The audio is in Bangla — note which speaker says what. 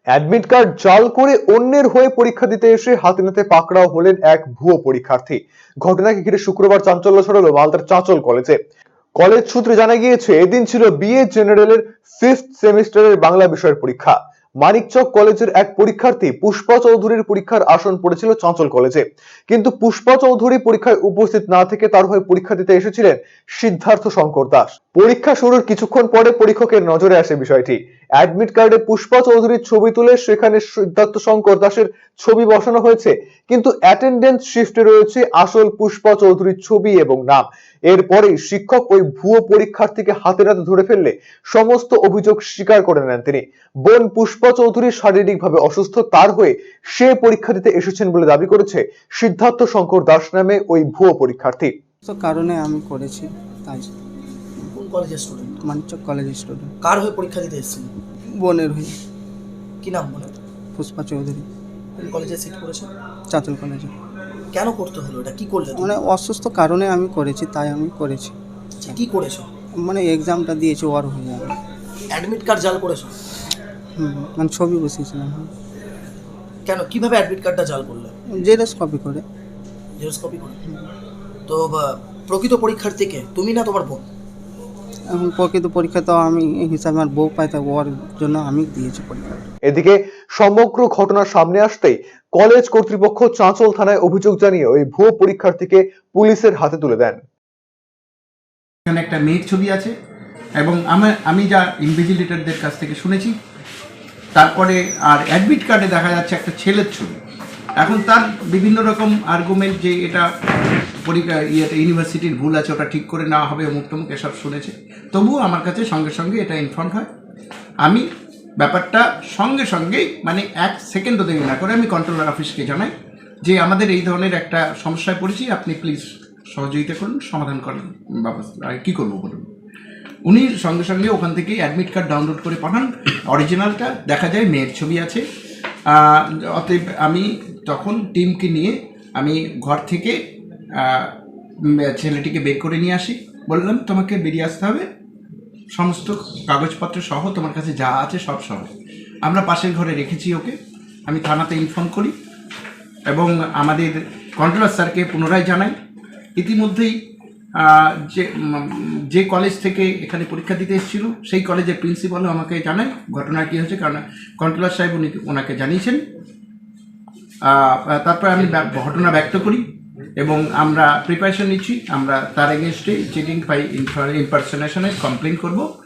Speaker 1: অ্যাডমিট কার্ড জাল করে অন্যের হয়ে পরীক্ষা দিতে এসে হাতে নাতে পাকড়াও হলেন এক ভুয়ো পরীক্ষার্থী। ঘটনাকে ঘিরে শুক্রবার চাঞ্চল্য ছড়ালো মালদার চাঁচল কলেজে। কলেজ সূত্রে জানা গিয়েছে, এদিন ছিল বিএ জেনারেলের 5th সেমিস্টারের বাংলা বিষয়ের পরীক্ষা। মানিকচক কলেজের এক পরীক্ষার্থী পুষ্পা চৌধুরীর পরীক্ষার আসন পড়েছিল চাঁচল কলেজে, কিন্তু পুষ্পা চৌধুরী পরীক্ষায় উপস্থিত না থেকে তার হয়ে পরীক্ষা দিতে এসেছিলেন সিদ্ধার্থ শঙ্কর দাস। পরীক্ষা শুরুর কিছুক্ষণ পরে পরীক্ষকের নজরে আসে বিষয়টি। অ্যাডমিট কার্ডে পুষ্পা চৌধুরীর ছবি তুলে সেখানে সিদ্ধার্থ শঙ্কর দাসের ছবি বসানো হয়েছে, কিন্তু অ্যাটেন্ডেন্স শিফটে রয়েছে আসল পুষ্পা চৌধুরীর ছবি এবং নাম। এরপরেই শিক্ষক ওই ভুয়ো পরীক্ষার্থীকে হাতে নাতে ধরে ফেললে সমস্ত অভিযোগ স্বীকার করে নেন তিনি। বোন পুষ্পা চৌধুরী শারীরিকভাবে অসুস্থ, তার হয়ে সে পরীক্ষা দিতে এসেছেন বলে দাবি করেছে সিদ্ধার্থ শঙ্কর দাস নামে ওই ভুয়ো পরীক্ষার্থী।
Speaker 2: কারণে আমি করেছি তাই।
Speaker 3: কোন কলেজের স্টুডেন্ট?
Speaker 2: মানিকচক কলেজের স্টুডেন্ট।
Speaker 3: কার হয়ে পরীক্ষা দিতে এসেছেন?
Speaker 2: বোনের হয়ে।
Speaker 3: কি নাম বলে?
Speaker 2: পুষ্পা চৌধুরী।
Speaker 3: কোন কলেজে সিট করেছেন?
Speaker 2: চাঁচল কলেজে।
Speaker 3: কেন করতে হলো এটা? কি করলে?
Speaker 2: মানে অসুস্থ কারণে আমি করেছি, তাই আমি করেছি।
Speaker 3: কি করেছো?
Speaker 2: মানে এক্সামটা দিয়েছি ওর হয়ে যাবে।
Speaker 3: অ্যাডমিট কার্ড জাল করেছো?
Speaker 2: মানে ছবি বসিয়েছিলাম।
Speaker 3: কেন, কিভাবে অ্যাডমিট কার্ডটা জাল করলে?
Speaker 2: জেরক্স কপি করে।
Speaker 3: জেরক্স কপি করে? তো প্রকৃত পরীক্ষার্থীকে তুমি না তোমার বোন?
Speaker 2: এখন প্রকৃত পরীক্ষা তো আমি হিসাবে আমার বউ পাই, তাই ওর জন্য আমি দিয়েছি পরীক্ষা।
Speaker 1: এদিকে সমগ্র ঘটনা সামনে আসতেই কলেজ কর্তৃপক্ষ চাঁচল থানায় অভিযোগ জানিয়ে ওই ভুয়ো পরীক্ষার্থীকে পুলিশের হাতে তুলে দেন।
Speaker 4: এখানে একটা মেয়ের ছবি আছে এবং আমি যা ইনভিজিলেটরদের কাছ থেকে শুনেছি, তারপরে আর অ্যাডমিট কার্ডে দেখা যাচ্ছে একটা ছেলের ছবি। এখন তার বিভিন্ন রকম আর্গুমেন্ট যে এটা পরীক্ষা ইউনিভার্সিটির ভুল আছে, ওটা ঠিক করে নেওয়া হবে, অমুক তমুক এসব শুনেছে। তবুও আমার কাছে সঙ্গে সঙ্গে এটা ইনফর্ম হয়। আমি ব্যাপারটা সঙ্গে সঙ্গেই মানে 1 সেকেন্ডও দেরি না করে আমি কন্ট্রোলার অফিসকে জানাই যে আমাদের এই ধরনের একটা সমস্যায় পড়েছি, আপনি প্লিজ সহযোগিতা করুন, সমাধান করেন ব্যবস্থা। আর কী করবো বলুন। উনি সঙ্গে সঙ্গে ওখান থেকেই অ্যাডমিট কার্ড ডাউনলোড করে পাঠান। অরিজিনালটা দেখা যায় মেয়ের ছবি আছে। অতএব আমি তখন টিমকে নিয়ে আমি ঘর থেকে ছেলেটিকে বের করে নিয়ে আসি। বললাম তোমাকে বেরিয়ে আসতে হবে, সমস্ত কাগজপত্র সহ তোমার কাছে যা আছে সব সহ। আমরা পাশের ঘরে রেখেছি ওকে। আমি থানাতে ইনফর্ম করি এবং আমাদের কন্ট্রোলার স্যারকে পুনরায় জানাই। ইতিমধ্যেই যে কলেজ থেকে এখানে পরীক্ষা দিতে এসেছিল সেই কলেজের প্রিন্সিপালও আমাকে জানায় ঘটনা কী হয়েছে, কারণ কন্ট্রোলার সাহেব ওনাকে জানিয়েছেন। তারপরে আমি ঘটনা ব্যক্ত করি এবং আমরা প্রিপারেশন নিচ্ছি। আমরা তার এগেনস্টে চিটিং বাই ইম্পারসনেশনের কমপ্লেন করব।